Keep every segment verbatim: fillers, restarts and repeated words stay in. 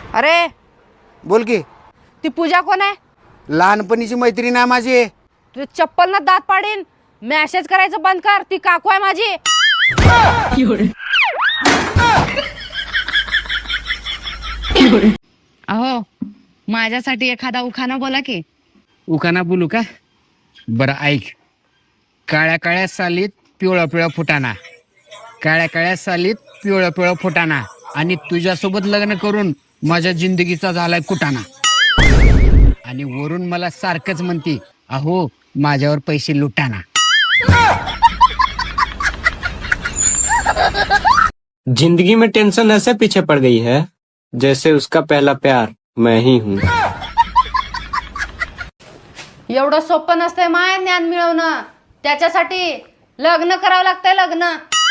अरे बोल की. ती पूजा कोण आहे? लहानपणीची मैत्रीण आहे माझी. तुझे चप्पल ना दात पाडीन. मेसेज करायचं बंद कर. ती काकू आहे माझी. अहो माझ्यासाठी एखादा उखाणा बोला की. उखाणा बोलू का? बरं ऐक. काळ्या काळ्या सालीत पिवळा पिवळा फुटाणा, काळ्या काळ्या सालीत पिवळा पिवळा फुटाणा, आणि तुझ्यासोबत लग्न करून माझ्या जिंदगीचा झालाय कुटाणा. आणि वरून मला सारखंच म्हणती, अहो माझ्यावर पैसे लुटाना. जिंदगी में टेंशन ऐसे पीछे पड़ गई है जैसे उसका पहला प्यार मैं ही हूँ. एवढं सोपं नसतंय माय ज्ञान मिळवणं. त्याच्यासाठी लग्न करावं लागतंय. लग्न.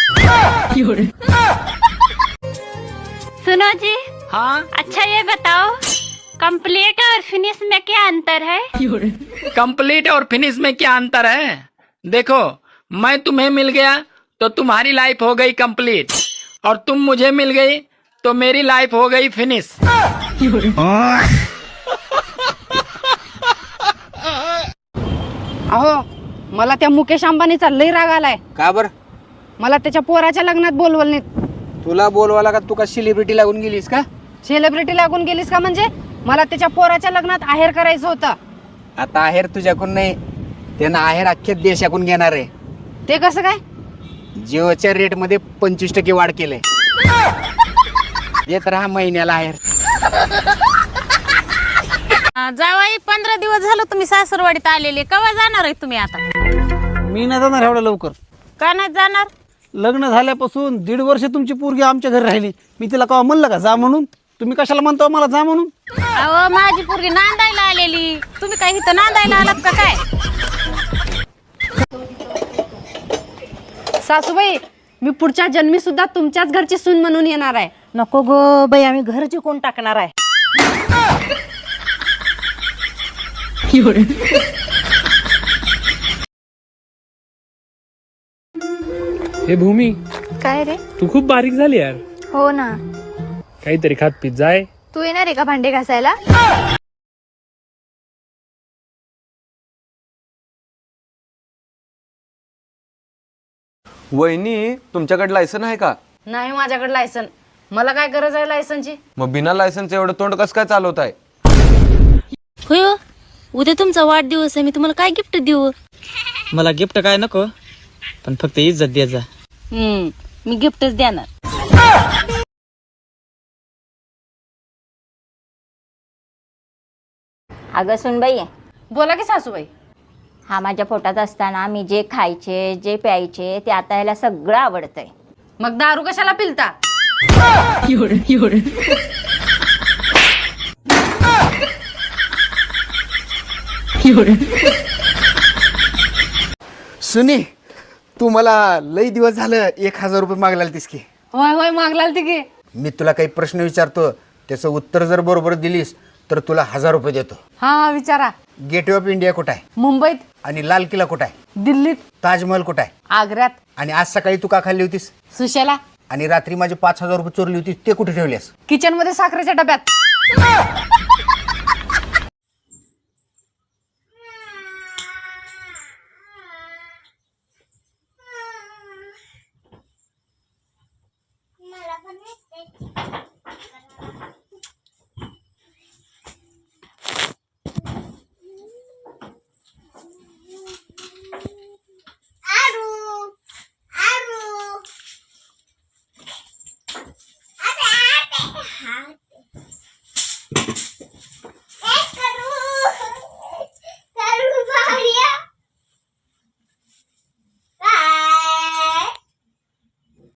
सुनो जी. हाँ अच्छा ये बताओ, कंप्लीट और फिनिश में क्या अंतर है? कंप्लीट और फिनिश में क्या अंतर है? देखो, मैं तुम्हें मिल गया तो तुम्हारी लाइफ हो गई कंप्लीट, और तुम मुझे मिल गई तो मेरी लाइफ हो गई फिनिश. अहो मला त्या मुकेश अंबानीचा लई राग आलाय. का बर? मला त्याच्या पोराच्या लग्नात बोलवलं नाही. तुला बोलवाला का? तू का सेलिब्रिटी लागून गेलीस का? सेलिब्रिटी लागून गेलीस का? म्हणजे मला त्याच्या पोराच्या लग्नात आहेर करायचं होतं. आता आहेर तुझ्याकडून नाही, त्यानं आहेर अख्ख्या देशाकडून घेणार आहे. ते कसं काय? जिओच्या रेट मध्ये पंचवीस टक्के वाढ केलंय. येत राहा महिन्याला आहेर. जावाई पंधरा दिवस झालं तुम्ही सासरवाडीत आलेले. केव्हा जाणार आहे तुम्ही आता? मी नाही जाणार एवढ्या लवकर. का नाही जाणार? लग्न झाल्यापासून दीड वर्ष तुमची पोरगी आमच्या घरी राहिली. मी तिला केव्हा म्हणलं का जा म्हणून? तुम्ही कशाला म्हणता मला जा म्हणून? अहो माझी पोरगी नांदायला आलेली. तुम्ही काय इथं नांदायला आलात का काय? सासूबाई, मी पुढच्या जन्मी सुद्धा तुमच्याच घरची सून म्हणून येणार आहे. नको ग बाई, आम्ही घरची कोण टाकणार आहे? हे भूमी, काय रे? तू खूप बारीक झाली यार. हो ना. काहीतरी खात पित जाय. तू येणार आहे का भांडे घासायला? वहिनी, तुमच्याकडे लायसन आहे का? नाही माझ्याकडे लायसन. मला काय गरज आहे लायसनची? मग बिना लायसनचं एवढं तोंड कसं काय चालवत आहे? होय, उद्या तुमचा वाढदिवस आहे. मी तुम्हाला काय गिफ्ट देऊ? मला गिफ्ट काय नको, पण फक्त इज्जत द्या जा. हम्म, मी गिफ्टच देणार. अगं सुनबाई, बोला की सासूबाई. हा माझ्या पोटात असताना मी जे खायचे जे प्यायचे ते आता याला सगळं आवडतंय. मग दारू कशाला पिलता? सुनी, तू मला लई दिवस झालं एक हजार रुपये मागला तीस की. होय होय मागलाल ती की. मी तुला काही प्रश्न विचारतो, त्याचं उत्तर जर बरोबर दिलीस तर तुला हजार रुपये देतो. हा हा विचारा. गेटवे ऑफ इंडिया कुठं आहे? मुंबईत. आणि लाल किल्ला कुठं आहे? दिल्लीत. ताजमहल कुठं आहे? आग्र्यात. आणि आज सकाळी तू का खाल्ली होतीस? सुशेला. आणि रात्री माझे पाच हजार रुपये चोरली होती, ते कुठे ठेवलेस? किचन मध्ये साखरेच्या डब्यात.